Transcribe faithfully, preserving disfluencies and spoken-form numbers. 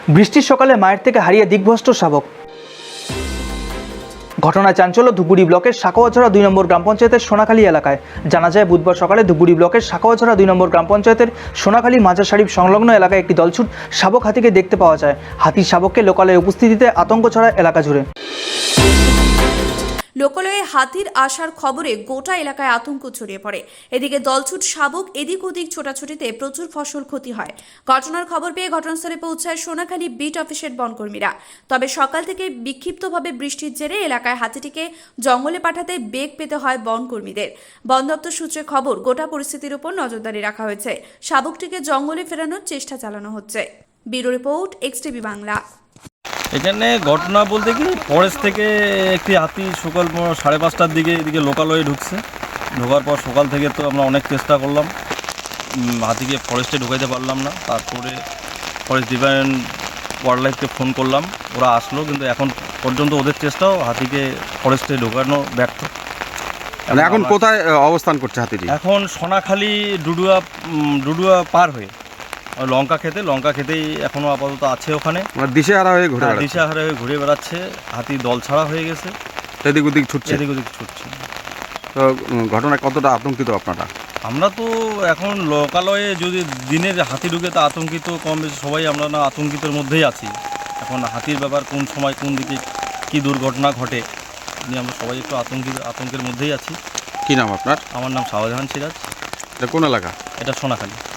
বৃষ্টির সকালে মায়ের থেকে হারিয়ে দিগ্ভ্রষ্ট শাবক। ঘটনায় চাঞ্চল্য ধুপগুড়ি ব্লকের সাকোয়াঝরা দুই নম্বর গ্রাম পঞ্চায়েতের সোনাখালী এলাকায়। জানা যায় বুধবার সকালে ধুপগুড়ি ব্লকের সাকোয়াঝরা দুই নম্বর গ্রাম পঞ্চায়েতের সোনাখালী মাজার শরীফ সংলগ্ন এলাকায় একটি দলছুট শাবক হাতিকে দেখতে পাওয়া যায়। হাতির শাবককে লোকালয়ে উপস্থিতিতে আতঙ্ক ছড়ায় এলাকা জুড়ে। লোকালয়ে হাতির আসার খবরে গোটা এলাকায় আতঙ্ক ছড়িয়ে পড়ে। এদিকে দলছুট শাবক এদিক ওদিক ছোটাছুটিতে প্রচুর ফসল ক্ষতি হয়। ঘটনার খবর পেয়ে ঘটনাস্থলে পৌঁছায় সোনাখালী বিট অফিসের বনকর্মীরা। তবে সকাল থেকে বিক্ষিপ্তভাবে বৃষ্টির জেরে এলাকায় হাতিটিকে জঙ্গলে পাঠাতে বেগ পেতে হয় বনকর্মীদের। বন দপ্তর সূত্রে খবর, গোটা পরিস্থিতির উপর নজরদারি রাখা হয়েছে। শাবকটিকে জঙ্গলে ফেরানোর চেষ্টা চালানো হচ্ছে। Bureau report, XTV Bangla. এখানে ঘটনা বলতে কি, ফরেস্ট থেকে একটি হাতি সকাল সাড়ে পাঁচটার দিকে এদিকে লোকালয়ে ঢুকছে। ঢোকার পর সকাল থেকে তো আমরা অনেক চেষ্টা করলাম, হাতিকে ফরেস্টে ঢুকাইতে পারলাম না। তারপরে ফরেস্ট ডিপার্টমেন্ট ওয়াইল্ড লাইফকে ফোন করলাম, ওরা আসলো, কিন্তু এখন পর্যন্ত ওদের চেষ্টাও হাতিকে ফরেস্টে ঢোকানো ব্যর্থ। এখন কোথায় অবস্থান করছে হাতিটি? এখন সোনাখালী ডুডুয়া ডুডুয়া পার হয়ে লঙ্কা খেতে লঙ্কা খেতেই এখনো আপাতত আছে ওখানে। দিশেহারা হয়ে ঘুরে বেড়াচ্ছে। দিশেহারা হয়ে ঘুরে বেড়াচ্ছে। হাতি দল ছাড়া হয়ে গেছে, এদিক ওদিক ছুটছে এদিক ওদিক ছুটছে। তো ঘটনায় কতটা আতঙ্কিত আপনারা? আমরা তো এখন লোকালয়ে যদি দিনের হাতি ঢুকে তা আতঙ্কিত কম বেশি সবাই আমরা না আতঙ্কিতের মধ্যেই আছি। এখন হাতির ব্যাপার কোন সময় কোন দিকে কী দুর্ঘটনা ঘটে নিয়ে আমরা সবাই একটু আতঙ্কিত আতঙ্কের মধ্যেই আছি। কি নাম আপনার? আমার নাম শাহজাহান সিরাজ। এটা কোন এলাকা? এটা সোনাখালী।